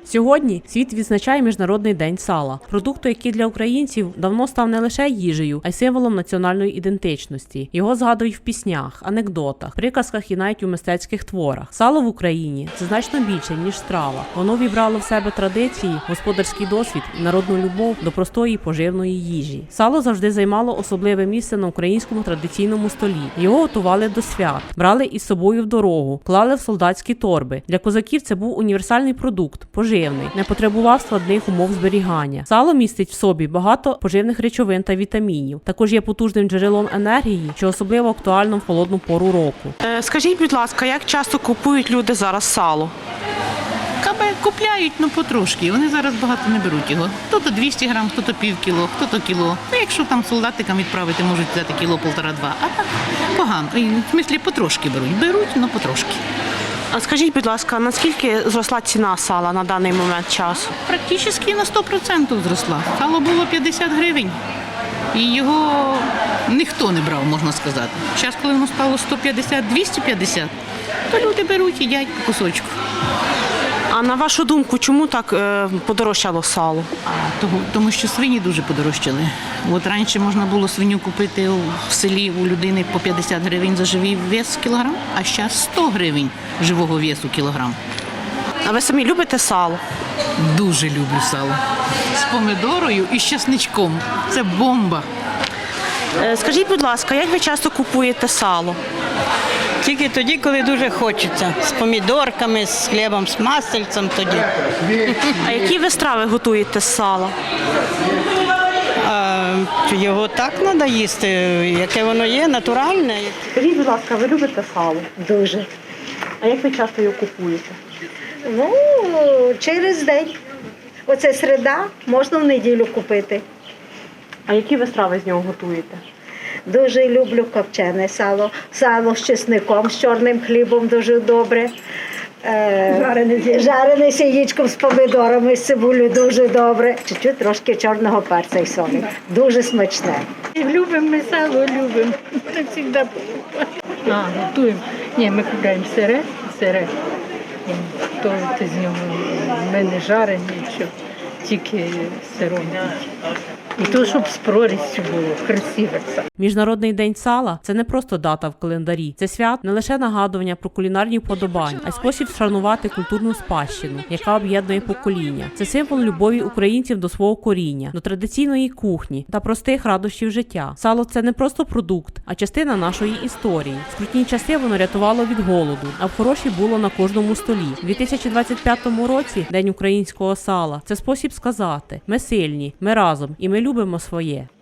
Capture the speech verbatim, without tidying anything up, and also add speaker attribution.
Speaker 1: Сьогодні світ відзначає Міжнародний день сала, продукту, який для українців давно став не лише їжею, а й символом національної ідентичності. Його згадують в піснях, анекдотах, приказках і навіть у мистецьких творах. Сало в Україні – це значно більше, ніж страва. Воно вібрало в себе традиції, господарський досвід і народну любов до простої і поживної їжі. Сало завжди займало особливе місце на українському традиційному столі. Його готували до свят, брали із собою в дорогу, клали в солдатські торби. Для козаків це був універсальний продукт, поживний, не потребував складних умов зберігання. Сало містить в собі багато поживних речовин та вітамінів. Також є потужним джерелом енергії, що особливо актуально в холодну пору року.
Speaker 2: Е, скажіть, будь ласка, як часто купують люди зараз сало?
Speaker 3: Кабе купляють, ну потрошки. Вони зараз багато не беруть його. Хто-то двісті грам, хто-то пів кіло, хто-то кіло. Ну, якщо там солдатикам відправити, можуть взяти кіло, полтора-два. А так погано. В смислі, потрошки беруть. Беруть, але потрошки.
Speaker 2: А скажіть, будь ласка, наскільки зросла ціна сала на даний момент часу?
Speaker 3: Практично на сто відсотків зросла. Сало було п'ятдесят гривень. І його ніхто не брав, можна сказати. Зараз, коли воно стало сто п'ятдесят - двісті п'ятдесят, то люди беруть, їдять по кусочку.
Speaker 2: А на вашу думку, чому так е, подорожчало сало?
Speaker 3: Тому, тому що свині дуже подорожчали. От раніше можна було свиню купити в селі у людини по п'ятдесят гривень за живий вес кілограм, а зараз сто гривень живого весу кілограм.
Speaker 2: А ви самі любите сало?
Speaker 3: Дуже люблю сало. З помидорою і з чесничком. Це бомба.
Speaker 2: Е, скажіть, будь ласка, як ви часто купуєте сало?
Speaker 4: Тільки тоді, коли дуже хочеться. З помідорками, з хлібом, з масельцем тоді.
Speaker 2: А які ви страви готуєте з сала?
Speaker 4: А, його так треба їсти, яке воно є, натуральне.
Speaker 2: Скажіть, будь ласка, ви любите сало?
Speaker 5: Дуже.
Speaker 2: А як ви часто його купуєте?
Speaker 5: Ну, через день. Оце середа, можна в неділю купити.
Speaker 2: А які ви страви з нього готуєте?
Speaker 5: Дуже люблю копчене сало. Сало з чесником, з чорним хлібом дуже добре. Е, жарене, жарене з яєчком, з помидорами, з цибулею дуже добре. Чуть-чуть трошки чорного перця і солі. Дуже смачне.
Speaker 6: Любимо ми сало, любимо. Так завжди. А, готуємо. Ні, ми купуємо сире, сире. То з нього ми не жарені, нічого, тільки сиром. І то, щоб з прорістю було, красиве все.
Speaker 1: Міжнародний день сала – це не просто дата в календарі. Це свят не лише нагадування про кулінарні вподобання, а й спосіб вшанувати культурну спадщину, яка об'єднує покоління. Це символ любові українців до свого коріння, до традиційної кухні та простих радощів життя. Сало – це не просто продукт, а частина нашої історії. В скрутні часи воно рятувало від голоду, а в хороші було на кожному столі. У дві тисячі двадцять п'ятому році – День українського сала – це спосіб сказати: ми сильні, ми разом і ми любимо своє.